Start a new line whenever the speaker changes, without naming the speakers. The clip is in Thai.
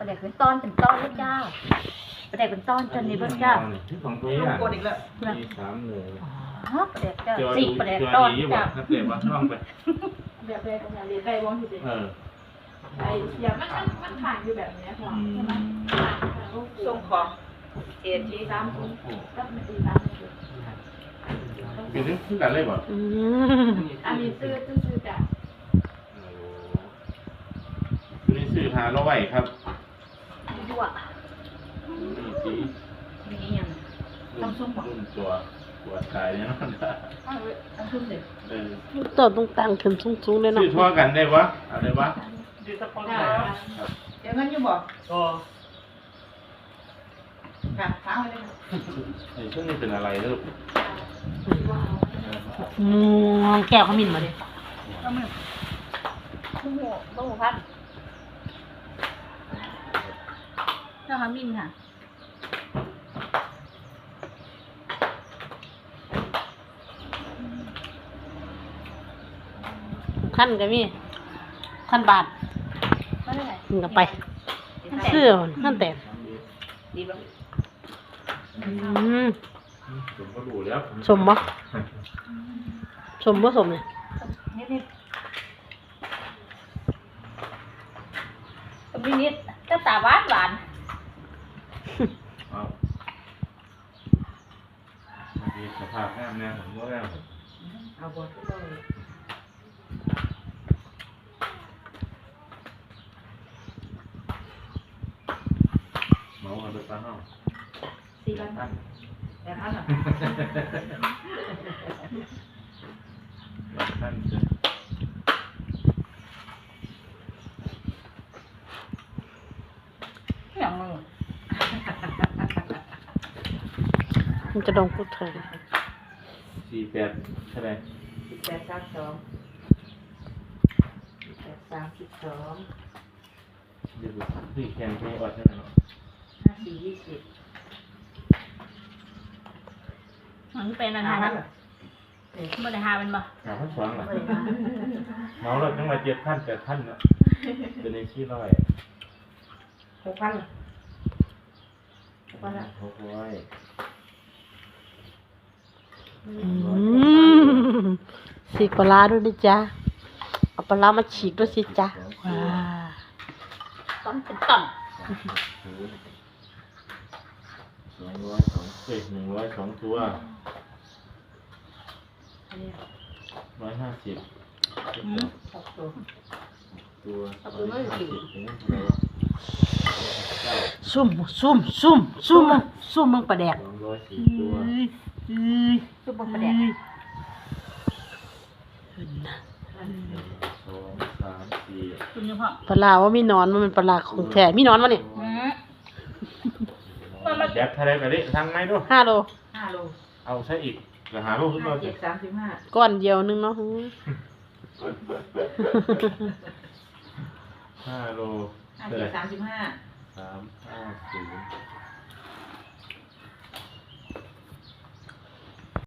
ประเด็กเป็นตอนเลยจ้าประเด็กเป็นตอนจนนี้เบิ่งจ้า
ที่ของตัว
ลูก
อ่ะ
โกนอีกแล้ว
มี3เลย
อ๋อประเด็กจ้า
เจอ
สี่
ดู
ประเด็ก
เจอ
ตอน
ดีบ่
จ้า
ถ้าเกิดว่าน้องไป
แบบเลยของอย่างเรียนได้วงที่เด็ก ไอ้เสียมันผ่านอยู่แบบนี้ค่ะใช่ไหมผ่านลูก
ส่งของเอ็นที
ตามคุณก็ไม่ตีตามไม่ถูก
เป็นถึงขึ้นกันเลยบ่
อันนี้ซื้อจาก
คือนี่ซื้อหาเราไว้ครับ
ยั่ว
นี่สี
มีอย่าง
รุ่นตัวกายเนี่ยมัน
อันทุ่มเด็ก
ตัวต้องตั้งขึ้นสูงๆเลยเนาะ
ซื้อทั่วกันได้วะเอาได้วะ
ดูสปอนเซอร์เดี๋ยวงั้นอยู่บอก
ก็
ค่ะค้างไว้เลย
ไอ้ช่วงนี้เป็นอะไรลูก
แก้วขมิ้นมาดิ
ต้องพัดเจ้าขมิ้นค่ะ
ขั้นก็มีขั้นบาท
ไม่ได้
มึงก็ไปเสื้อขั้นแต่
ดีบ้าง
ผมก็ดูแล้ว
สมบ่สมเนี่ย
นิดมีนิดก็ตาหวาน
เอามีสภาพแง่แน่ผมก็แง่
เอาบอลก็ต้อง
เมาเอาไปตั้งห้อง
4,000แต่ท่านอ่ะ
ท่านจะ
อย่างมึง
มันจะดองพูดเถอะ
48เท่าไหร่
832 832
เดี๋ยวพี่แข่งเพลงอดใช่ไหมเนาะ
5420
มันเป็นอาหารไม่ได้หามันบ่
หาพันสองหรอเมาแล้วต้องมา7,000 8,000เนาะเป็นในที่ร้อย
6,000ล่ะ
600
สีปลาด้วยดิจ้าเอาปลามาฉีกด้วยสิจ้าว้า
ต้นเป็นต้น
102ตัว150
6ตัว
ตัว
ซุ่มมึงปลาแดก
204ตัว
ซุปเปอร์ประเด็ก
1 2 3 4
คุณยังพ่อ
ปลาว่ามีนอนมันเป็นปลาของแท้มีนอนวะนี่
แจ็คทะเลไปดิทางไหนดู
5 โล
5 โล
เอาใช่อีกจะหาลูกขึ้นมาสิ
5735
ก้อนเดียวนึงเนาะ
5 โล
5735
3 5 0